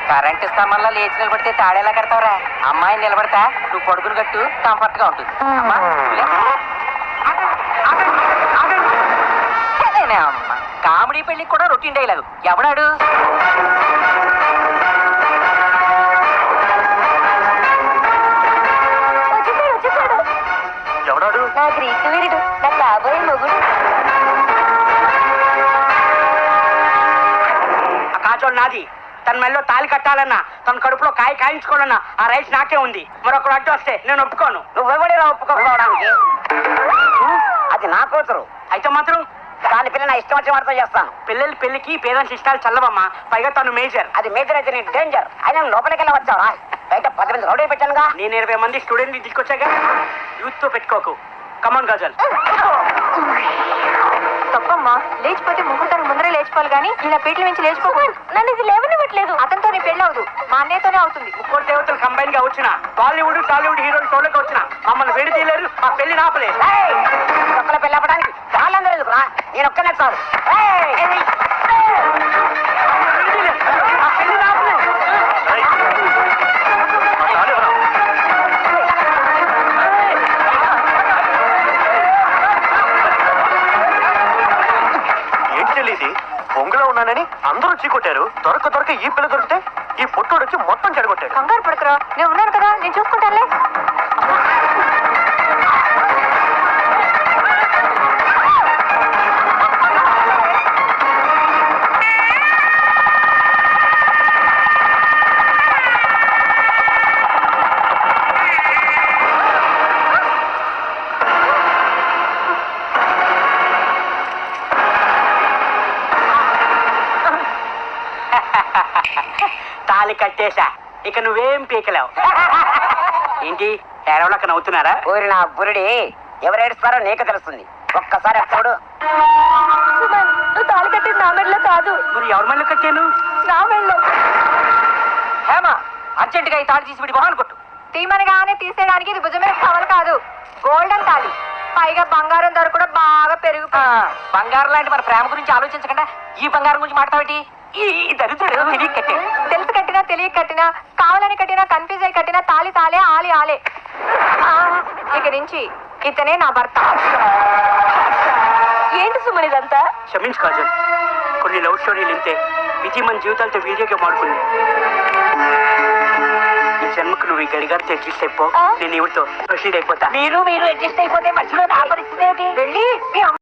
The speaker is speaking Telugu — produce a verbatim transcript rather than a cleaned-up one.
కరెంట్ స్తంభంలో లేచి నిలబడితే తాడేలా కడతావురా? అమ్మాయిని నిలబడతా నువ్వు పడుకుని కట్టు, కంఫర్ట్ గా ఉంటుంది. అమ్మా కామెడీ పెళ్లికి కూడా రొటీన్ డైలాగు. ఎవడాడు? ఎవడాడు? నా గ్రీకు వీరుడు, నా కాబోయే మొగుడు. ఆ కాచోడు నాది. తన మెల్లో తాలి కట్టాలన్నా, తన కడుపులో కాయ కాయించుకోవాలన్నా ఆ రైస్ నాకే ఉంది. మరొకరు అడ్డు వస్తే నేను ఒప్పుకోను. నువ్వెవడిరా ఒప్పుకోవడానికి? అది నా కూతురు. అయితే మాత్రం దాని పిల్ల నా ఇష్టం వచ్చే వారితో చేస్తాను. పిల్లల పెళ్లికి పేరెంట్స్ ఇష్టాలు చల్లవమ్మా. పైగా తను మేజర్. అది మేజర్ అయితే నీకు డేంజర్. అయినా లోపలికి వెళ్ళి వచ్చావా? బయట పది మంది రౌడీ పెట్టానుగా. నేను ఇరవై మంది స్టూడెంట్ తీసుకొచ్చాక యూత్ తో పెట్టుకోకు. కమాన్ గజల్. తప్పమ్మా, లేచిపోతే ముగ్గురు ముందరే లేచిపోవాలి కానీ ఇలా పీటల నుంచి లేచిపోకూడదు. నన్ను ఇది లేవనివ్వట్లేదు. అతనితో నీ పెళ్ళి అవదు, మా అన్నయ్యతోనే అవుతుంది. ముగ్గురు దేవతలు కంబైన్ గా వచ్చిన బాలీవుడ్ టాలీవుడ్ హీరోలు షోలోకి వచ్చిన మమ్మల్ని వేడి తీయలేరు. ఆ పెళ్లి నాపలేదు. ఒక్కల పెళ్ళి అవ్వడానికి వాళ్ళందరూ ఎందుకురా? నేను ఒక్కనే చాలు. ఆ పెళ్లి నాపలేదు. ఏంటి తెలియదు, పొంగులో ఉన్నానని అందరూ చీకొట్టారు. దొరక దొరక ఈ పిల్ల దొరికితే ఈ పొట్టోడు వచ్చి మొత్తం చెడగొట్టాడు. కంగారు పడుకురా, నేను ఉన్నాను కదా, నేను చూసుకుంటానులే. తాలి కట్టేశా, ఇక నువ్వేం పీకలేవు. ఏంటి ఏడవలక నవ్వుతున్నారా? ఊరి నా బురుడి ఎవరు ఏడుస్తారో నీకు తెలుస్తుంది. ఒక్కసారి చూడు. నువ్వు తాళి కట్టింది నా మెడలో కాదు. మరి ఎవరి మళ్ళీ కట్టాను? నా మెడలో. హేమ, అర్జెంట్ గా ఈ తాడు తీసి విడి మొహాన్ని కొట్టు. తీమనగానే తీసేయడానికి ఇది భుజమే కవలు కాదు, గోల్డెన్ తాళి. పైగా బంగారం ధర కూడా బాగా పెరుగు. బంగారం లాంటి మన ప్రేమ గురించి ఆలోచించకుండా ఈ బంగారం గురించి మాట్లాడేటి? ఈ దరిద్రుడు తిరిగి కట్టాడు. తెలిసి కట్టినా తెలియక కట్టినా, కావాలని కట్టినా, కన్ఫ్యూజ్ అయి కట్టినా తాళి తాలే, ఆలి ఆలే. ఇక నుంచి ఇతనే నా భర్త. ఏంటి సుమన్ ఇదంతా? క్షమించు కాజల్, కొన్ని లవ్ స్టోరీలు ఇంతే. విధి మన జీవితాలతో వీడియో గేమ్ ఆడుకుంది. ఈ జన్మకు నువ్వు ఈ గడిగారితో అడ్జస్ట్ అయిపో, నేను ఇవిడితో ప్రొసీడ్ అయిపోతా. మీరు మీరు అడ్జస్ట్ అయిపోతే మధ్యలో నా పరిస్థితి ఏంటి? వెళ్ళి మీ